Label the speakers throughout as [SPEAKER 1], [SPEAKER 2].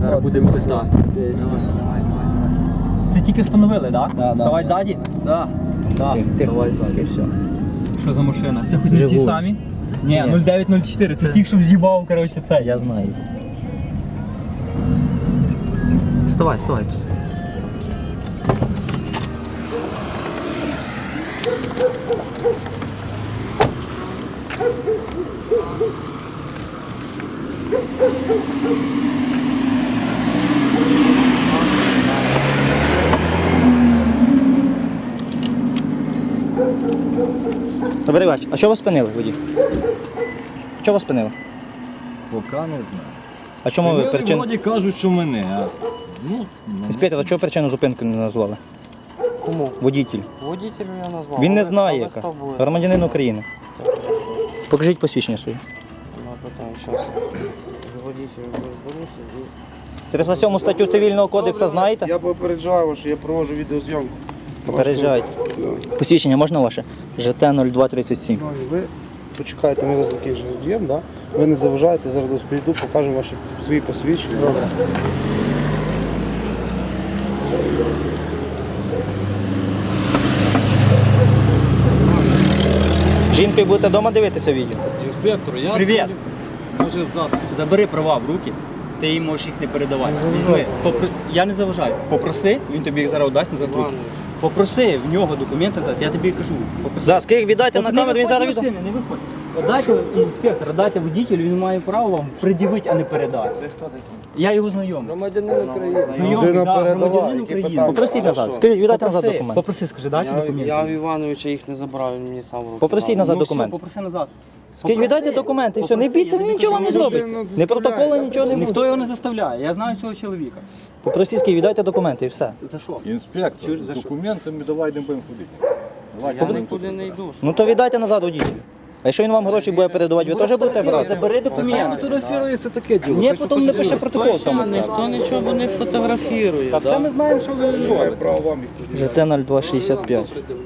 [SPEAKER 1] Зараз будемо питати. Це тільки встановили, так?
[SPEAKER 2] Да,
[SPEAKER 1] Вставай ззаді?
[SPEAKER 2] Так, вставай ззаді. Все.
[SPEAKER 1] Що за машина? Це хоч не ті
[SPEAKER 2] Жигуль.
[SPEAKER 1] самі? Ні,
[SPEAKER 2] Ні.
[SPEAKER 1] 0904, це ті, що вз'їбав, коротше, це.
[SPEAKER 2] Я знаю.
[SPEAKER 1] Вставай тут.
[SPEAKER 2] Добрий вечір. А що вас спинили, водій? Що вас спинили?
[SPEAKER 3] Поки не знаю.
[SPEAKER 2] А чому ви причину?
[SPEAKER 3] Вроді кажуть, що мене, а ну, мене.
[SPEAKER 2] Інспектор, а чого причину зупинки не назвали?
[SPEAKER 4] Кому?
[SPEAKER 2] Водитель.
[SPEAKER 4] Водителю я назвав.
[SPEAKER 2] Він не
[SPEAKER 4] Але-
[SPEAKER 2] знає,
[SPEAKER 4] але
[SPEAKER 2] яка.
[SPEAKER 4] хто буде?
[SPEAKER 2] Громадянин України. Покажіть посвідчення своє.
[SPEAKER 4] Ну, питання, щас. Водителю розберуся і...
[SPEAKER 2] 307 статтю Цивільного кодексу знаєте?
[SPEAKER 5] Я попереджаю вас, що я проводжу відеозйомку.
[SPEAKER 2] Попереджайте. Посвідчення можна ваше? ЖТ 0237.
[SPEAKER 5] Ну, і ви почекайте, ми зараз таких же діємо, да? Ви не заважаєте, зараз десь прийду, покажемо ваші свої посвідчення. Добре.
[SPEAKER 2] Жінкою будете вдома дивитися відео?
[SPEAKER 3] Інспектор, я
[SPEAKER 1] Привіт.
[SPEAKER 3] може ззаду.
[SPEAKER 1] Забери права в руки, ти їй можеш їх не передавати. Візьми. Я не заважаю. Попроси, він тобі їх зараз дасть назад в руки. Попроси в нього документи взяти, я тобі кажу. Попроси.
[SPEAKER 2] Да, скільки віддайте на
[SPEAKER 1] Не
[SPEAKER 2] камеру, він
[SPEAKER 1] виходь
[SPEAKER 2] зараз
[SPEAKER 1] з
[SPEAKER 2] відео.
[SPEAKER 1] машини, не виходь. Дайте інспектор, дайте водителю, він має право вам пред'явити, а не передати.
[SPEAKER 4] Ви хто такий?
[SPEAKER 1] Я його знайомий.
[SPEAKER 4] Громадянин України.
[SPEAKER 1] Знайомий,
[SPEAKER 5] Людина
[SPEAKER 1] да,
[SPEAKER 5] передала,
[SPEAKER 1] громадянин
[SPEAKER 5] які
[SPEAKER 1] України.
[SPEAKER 5] питання?
[SPEAKER 2] Попросіть назад.
[SPEAKER 4] Хорошо.
[SPEAKER 2] Скажіть, віддайте назад
[SPEAKER 1] Попроси,
[SPEAKER 2] документи.
[SPEAKER 1] попроси, скажи, дайте документи.
[SPEAKER 4] Я в Івановича їх не забрав, він мені сам в руки
[SPEAKER 2] Попросіть
[SPEAKER 4] дав.
[SPEAKER 2] назад
[SPEAKER 1] Ну, все,
[SPEAKER 2] документи.
[SPEAKER 1] попроси назад.
[SPEAKER 2] Скажіть, віддайте документи і все. Не бійтеся, він нічого вам не зробить. Не протоколу, нічого не
[SPEAKER 1] Ніхто
[SPEAKER 2] буде.
[SPEAKER 1] його не заставляє, я знаю цього чоловіка.
[SPEAKER 2] Попросіть, скажіть, віддайте документи і все.
[SPEAKER 1] За що?
[SPEAKER 3] Інспектор,
[SPEAKER 1] Чуєш,
[SPEAKER 3] з
[SPEAKER 1] за що?
[SPEAKER 3] документами давай не будемо ходити. Давай,
[SPEAKER 4] Я нікуди не йду.
[SPEAKER 2] Ну то віддайте назад водителю. А якщо він вам гроші буде передавати, ви теж будете брати?
[SPEAKER 1] Забери документи.
[SPEAKER 3] фотографірується таке діло.
[SPEAKER 2] Ні, потім напише протокол саме.
[SPEAKER 4] Ніхто нічого не фотографірує.
[SPEAKER 1] Та все ми знаємо, що ви
[SPEAKER 5] Маю
[SPEAKER 1] робите.
[SPEAKER 5] право вам їх
[SPEAKER 2] ЖТ 0265.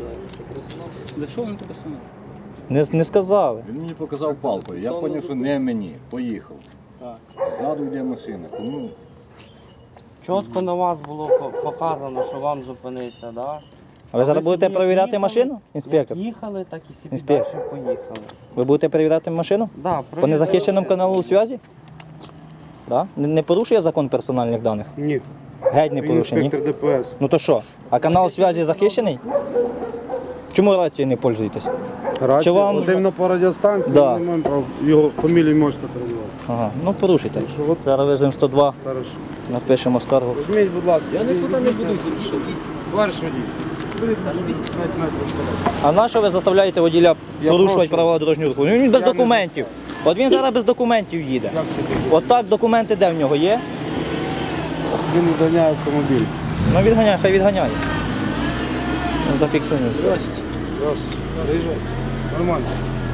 [SPEAKER 1] За що він тебе саме?
[SPEAKER 2] Не сказали.
[SPEAKER 3] Він мені показав палкою. Я зрозумів, що не мені. Поїхав.
[SPEAKER 1] Так.
[SPEAKER 3] Ззаду йде машина. Кому?
[SPEAKER 4] Чітко на вас було показано, що вам зупиниться, да?
[SPEAKER 2] А ви зараз
[SPEAKER 4] собі
[SPEAKER 2] будете
[SPEAKER 4] як
[SPEAKER 2] перевіряти
[SPEAKER 4] їхали,
[SPEAKER 2] машину, інспектор?
[SPEAKER 4] Як їхали, так і собі
[SPEAKER 2] Інспектор.
[SPEAKER 4] далі поїхали.
[SPEAKER 2] Ви будете перевіряти машину?
[SPEAKER 4] Да,
[SPEAKER 2] По незахищеному каналу зв'язі? Да? Не порушує закон персональних даних?
[SPEAKER 5] Ні.
[SPEAKER 2] Геть не
[SPEAKER 5] Він
[SPEAKER 2] порушує, ні?
[SPEAKER 5] інспектор ДПС.
[SPEAKER 2] Ну то що? А канал зв'язі захищений? Чому рацією не пользуєтесь?
[SPEAKER 5] Рація,
[SPEAKER 2] вам-
[SPEAKER 5] от іменно по радіостанції,
[SPEAKER 2] Да.
[SPEAKER 5] ми не маємо права його фамілію можете передавати.
[SPEAKER 2] Ага, ну порушуйте.
[SPEAKER 5] Що от,
[SPEAKER 2] Зараз визвемо 102,
[SPEAKER 5] хорошо.
[SPEAKER 2] напишемо скаргу.
[SPEAKER 5] Візьміть, будь ласка.
[SPEAKER 3] Я нікуди не буду йти.
[SPEAKER 5] Товариш водій. Будете 5 метрів вперед.
[SPEAKER 2] А на що ви заставляєте воділя
[SPEAKER 5] Я
[SPEAKER 2] порушувати
[SPEAKER 5] прошу.
[SPEAKER 2] правила дорожнього руху? Він без
[SPEAKER 5] Я не
[SPEAKER 2] документів. От він зараз без документів їде.
[SPEAKER 5] Як це буде?
[SPEAKER 2] От так документи де в нього є?
[SPEAKER 5] Він відганяє автомобіль.
[SPEAKER 2] Ну відганяє, хай відганяє. Ну, зафіксуємо.
[SPEAKER 5] Раз. Приїжджайте. Нормально.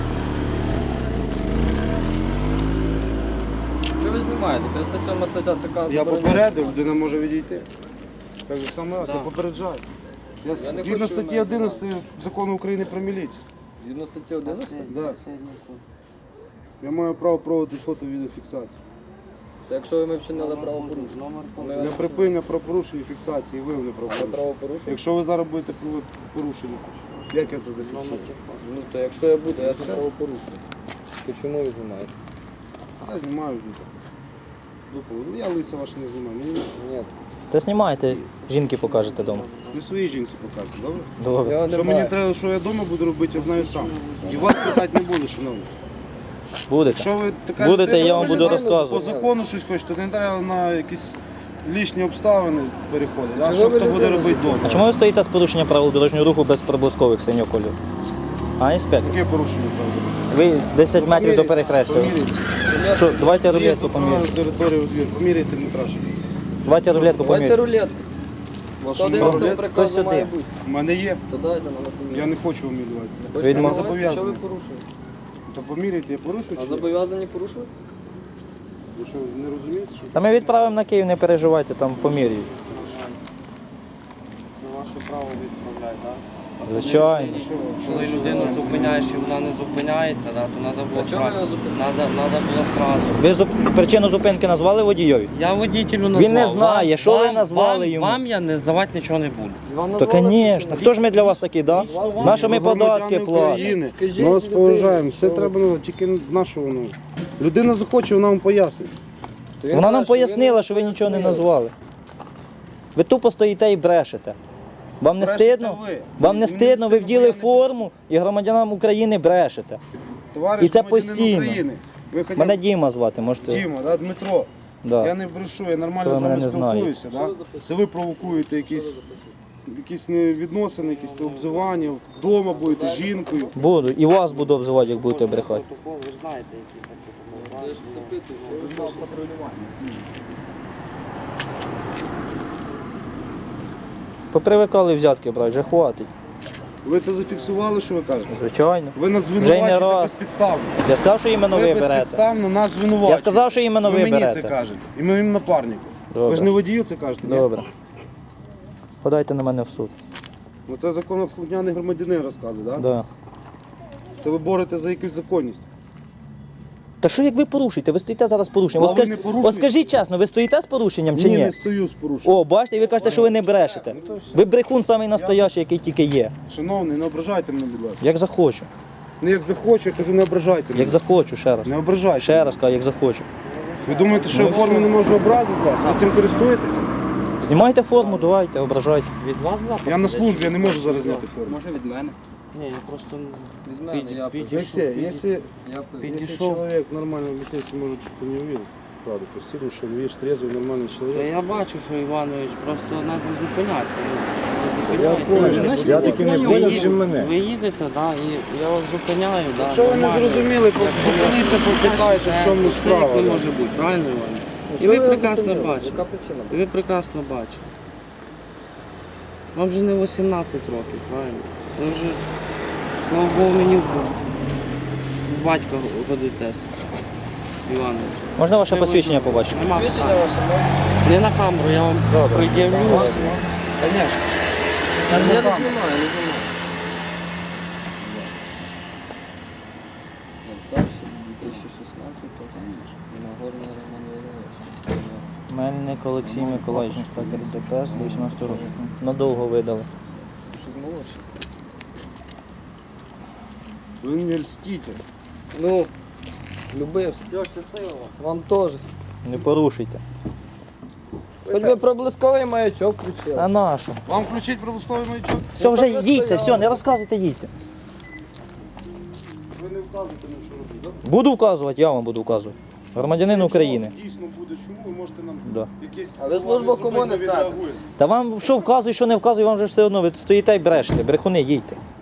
[SPEAKER 6] Що ви знімаєте? 307 стаття ЦК
[SPEAKER 5] Я
[SPEAKER 6] забороняє.
[SPEAKER 5] попередив, людина може відійти. Так же саме, я попереджаю. Я
[SPEAKER 6] не
[SPEAKER 5] згідно
[SPEAKER 6] хочу
[SPEAKER 5] статті
[SPEAKER 6] мене
[SPEAKER 5] 11 закону України про міліцію.
[SPEAKER 6] Згідно статті 11?
[SPEAKER 5] Да. Я маю право проводити фото-відеофіксацію.
[SPEAKER 6] Це якщо ви ми вчинили правопорушення. Ми
[SPEAKER 5] Для припинення правопорушення і фіксації виявлення правопорушення.
[SPEAKER 6] правопорушення?
[SPEAKER 5] Якщо ви зараз будете порушення, як я це зафіксую?
[SPEAKER 6] Ну то якщо я буду, я це правопорушую. То чому ви знімаєте?
[SPEAKER 5] Я знімаю відео. Ну, я лиця ваше не знімаю. Мені
[SPEAKER 6] Ні.
[SPEAKER 2] Та знімайте, жінки покажете вдома.
[SPEAKER 5] не своїй жінці покажете, добре?
[SPEAKER 2] Добре.
[SPEAKER 6] Я
[SPEAKER 5] Що
[SPEAKER 6] не
[SPEAKER 5] мені
[SPEAKER 6] маю.
[SPEAKER 5] треба, що я вдома буду робити, я знаю сам. І вас питати не буду, шановні.
[SPEAKER 2] Будете.
[SPEAKER 5] Якщо ви така
[SPEAKER 2] Будете,
[SPEAKER 5] людина,
[SPEAKER 2] я вам
[SPEAKER 5] ви
[SPEAKER 2] буду
[SPEAKER 5] знаєте,
[SPEAKER 2] розказувати.
[SPEAKER 5] По закону щось хочете, не треба на якісь лишні обставини переходити. А
[SPEAKER 6] Чого
[SPEAKER 5] що
[SPEAKER 6] ви
[SPEAKER 5] хто буде
[SPEAKER 6] людину
[SPEAKER 5] робити
[SPEAKER 2] А
[SPEAKER 5] вдома?
[SPEAKER 2] чому ви стоїте з порушенням правил дорожнього руху без проблискових синього кольору? А, інспектор?
[SPEAKER 5] Яке порушення правда?
[SPEAKER 2] Ви 10 метрів до перехрестя.
[SPEAKER 5] Поміряйте.
[SPEAKER 2] Що, давайте
[SPEAKER 5] Є
[SPEAKER 2] рулетку
[SPEAKER 5] на
[SPEAKER 2] поміряємо.
[SPEAKER 5] територію звір. Поміряйте метраж.
[SPEAKER 2] Давайте рулетку
[SPEAKER 6] Давайте
[SPEAKER 2] поміряємо.
[SPEAKER 6] рулетку.
[SPEAKER 5] Вашу
[SPEAKER 6] 111
[SPEAKER 5] рулетку?
[SPEAKER 6] приказу
[SPEAKER 2] сюди.
[SPEAKER 6] має бути.
[SPEAKER 5] У мене є.
[SPEAKER 6] То дайте нам
[SPEAKER 5] Я
[SPEAKER 6] поміряти.
[SPEAKER 5] не хочу умілювати.
[SPEAKER 6] Хочете
[SPEAKER 2] Відмов-
[SPEAKER 6] поміряти?
[SPEAKER 5] зобов'язаний.
[SPEAKER 6] Що ви порушуєте?
[SPEAKER 5] То поміряйте, я порушую
[SPEAKER 6] А
[SPEAKER 5] чи ні?
[SPEAKER 6] зобов'язані порушувати?
[SPEAKER 5] Ви що, не розумієте, що
[SPEAKER 2] Та ми відправимо на Київ, не переживайте, там поміряють.
[SPEAKER 4] На ваше право відправляй, так?
[SPEAKER 2] Звичайно.
[SPEAKER 4] Коли людину зупиняєш і вона не зупиняється, да, то треба було сразу.
[SPEAKER 2] Ви причину зупинки назвали водійові?
[SPEAKER 4] Я водителю назвав.
[SPEAKER 2] Він не знає, що ви назвали йому.
[SPEAKER 4] Вам я називати нічого не буду.
[SPEAKER 2] То, звісно. Хто ж ми для вас такі, да? На що ми податки
[SPEAKER 5] Громадяни
[SPEAKER 2] платимо?
[SPEAKER 5] України. Ми вас поважаємо, все треба, тільки нашого. Людина захоче, вона вам пояснить.
[SPEAKER 2] Вона нам пояснила, що ви нічого не назвали. Ви тупо стоїте і брешете. Вам не
[SPEAKER 5] Брешете
[SPEAKER 2] стидно?
[SPEAKER 5] ви.
[SPEAKER 2] Вам не
[SPEAKER 5] Мені
[SPEAKER 2] стидно, ви
[SPEAKER 5] стидно,
[SPEAKER 2] вділи
[SPEAKER 5] бо я не
[SPEAKER 2] форму і громадянам України брешете.
[SPEAKER 5] Товариш
[SPEAKER 2] І це
[SPEAKER 5] громадянин
[SPEAKER 2] постійно.
[SPEAKER 5] України. Ви хоча б
[SPEAKER 2] Мене Діма звати, можете.
[SPEAKER 5] Діма, да, Дмитро.
[SPEAKER 2] Да.
[SPEAKER 5] Я не брешу, я нормально
[SPEAKER 2] Хто
[SPEAKER 5] з
[SPEAKER 2] мене
[SPEAKER 5] вами
[SPEAKER 2] не знає.
[SPEAKER 5] спілкуюся. Да? Це ви провокуєте якісь невідносини, якісь обзивання. Вдома будете з жінкою.
[SPEAKER 2] Буду. І вас буду обзивати, як будете брехати.
[SPEAKER 4] Протокол, ви ж знаєте, які це
[SPEAKER 2] Попривикали взятки брати, вже хватить.
[SPEAKER 5] Ви це зафіксували, що ви кажете?
[SPEAKER 2] Звичайно.
[SPEAKER 5] Ви нас
[SPEAKER 2] Вже й не
[SPEAKER 5] звинувачуєте
[SPEAKER 2] раз.
[SPEAKER 5] безпідставно.
[SPEAKER 2] Я сказав, що іменно ви берете.
[SPEAKER 5] безпідставно нас звинувачуєте.
[SPEAKER 2] Я сказав, що іменно ви
[SPEAKER 5] мені
[SPEAKER 2] берете.
[SPEAKER 5] це кажете. І моїм напарнику.
[SPEAKER 2] Добре.
[SPEAKER 5] Ви ж не водію це кажете? ні?
[SPEAKER 2] Добре. Подайте на мене в суд.
[SPEAKER 5] Оце законослухняний громадянин розказує, так?
[SPEAKER 2] Да.
[SPEAKER 5] Це ви боретеся за якусь законність.
[SPEAKER 2] Та що як ви порушуєте? Ви стоїте зараз з порушенням.
[SPEAKER 5] А ви не порушуєте?
[SPEAKER 2] От скажіть чесно, ви стоїте з порушенням чи ні?
[SPEAKER 5] Не стою з порушенням.
[SPEAKER 2] О, бачите, і ви кажете, що ви не брешете. Ви брехун самий настоящий, який тільки є.
[SPEAKER 5] Шановний, не ображайте мене, будь ласка.
[SPEAKER 2] Як захочу.
[SPEAKER 5] Не як захочу, я кажу, не ображайте мене.
[SPEAKER 2] Як захочу, ще раз.
[SPEAKER 5] Не ображайте.
[SPEAKER 2] Ще раз кажу, як захочу.
[SPEAKER 5] Ви думаєте, що я в формі не можу образити вас? Ви цим користуєтеся?
[SPEAKER 2] Знімайте форму, давайте, ображайте.
[SPEAKER 4] від вас запит?
[SPEAKER 5] Я на службі, я не можу зараз зняти форму.
[SPEAKER 1] Може від мене.
[SPEAKER 4] Ні, я просто
[SPEAKER 6] Від мене, я
[SPEAKER 5] Алексей, если
[SPEAKER 6] я
[SPEAKER 4] підійшов.
[SPEAKER 5] человек нормально висит, может, что-то не увидел. Правда, постигнуть, что видишь, трезвый, нормальный человек.
[SPEAKER 4] Я бачу, що Іванович, просто треба зупинятися.
[SPEAKER 5] Я понял. Я таки не понял, чим мене.
[SPEAKER 4] Ви їдете, да, і я вас зупиняю. Да,
[SPEAKER 5] Якщо ви не
[SPEAKER 4] нормально.
[SPEAKER 5] зрозуміли, зупиніться, попитайте, в чому
[SPEAKER 4] Все як
[SPEAKER 5] справа.
[SPEAKER 4] не
[SPEAKER 5] да.
[SPEAKER 4] може бути, правильно, Іван? І ви прекрасно бачите.
[SPEAKER 6] Яка причина?
[SPEAKER 4] І ви прекрасно бачите. Вам вже не 18 років, правильно? Ви вже, слава Богу, мені в батька годитесь, Іванович.
[SPEAKER 2] Можна ваше
[SPEAKER 4] Це
[SPEAKER 2] посвідчення
[SPEAKER 4] ви-
[SPEAKER 2] побачити?
[SPEAKER 4] Нема
[SPEAKER 6] Свідчення
[SPEAKER 4] питань.
[SPEAKER 6] ваше можна?
[SPEAKER 4] Не на камеру, я вам пред'явлю.
[SPEAKER 6] Звісно. Я не знімаю, не знімаю. Перший, 2016, Нагорний Роман Володимирович.
[SPEAKER 2] Мельник Олексій Миколаївич, інспектор ДПС, 18 років. Надовго видали.
[SPEAKER 6] Ти що з молодший?
[SPEAKER 5] Ви не льстите.
[SPEAKER 6] Ну, любився. Вам теж.
[SPEAKER 2] Не порушуйте.
[SPEAKER 6] Хоч би проблисковий маячок включили.
[SPEAKER 2] А нашу?
[SPEAKER 5] Вам включить промисловий маячок?
[SPEAKER 2] Все, вже їдьте, все, не розказуйте, їдьте.
[SPEAKER 5] Ви не вказуєте мені, що робити, так?
[SPEAKER 2] Буду вказувати, я вам буду вказувати. Громадянин України.
[SPEAKER 5] Дійсно буде чому, ви можете нам
[SPEAKER 2] Да.
[SPEAKER 5] якесь...
[SPEAKER 6] А ви службу кому несете?
[SPEAKER 2] Та вам що вказує, що не вказує, вам вже все одно, ви стоїте і брешете, брехуни, їдьте.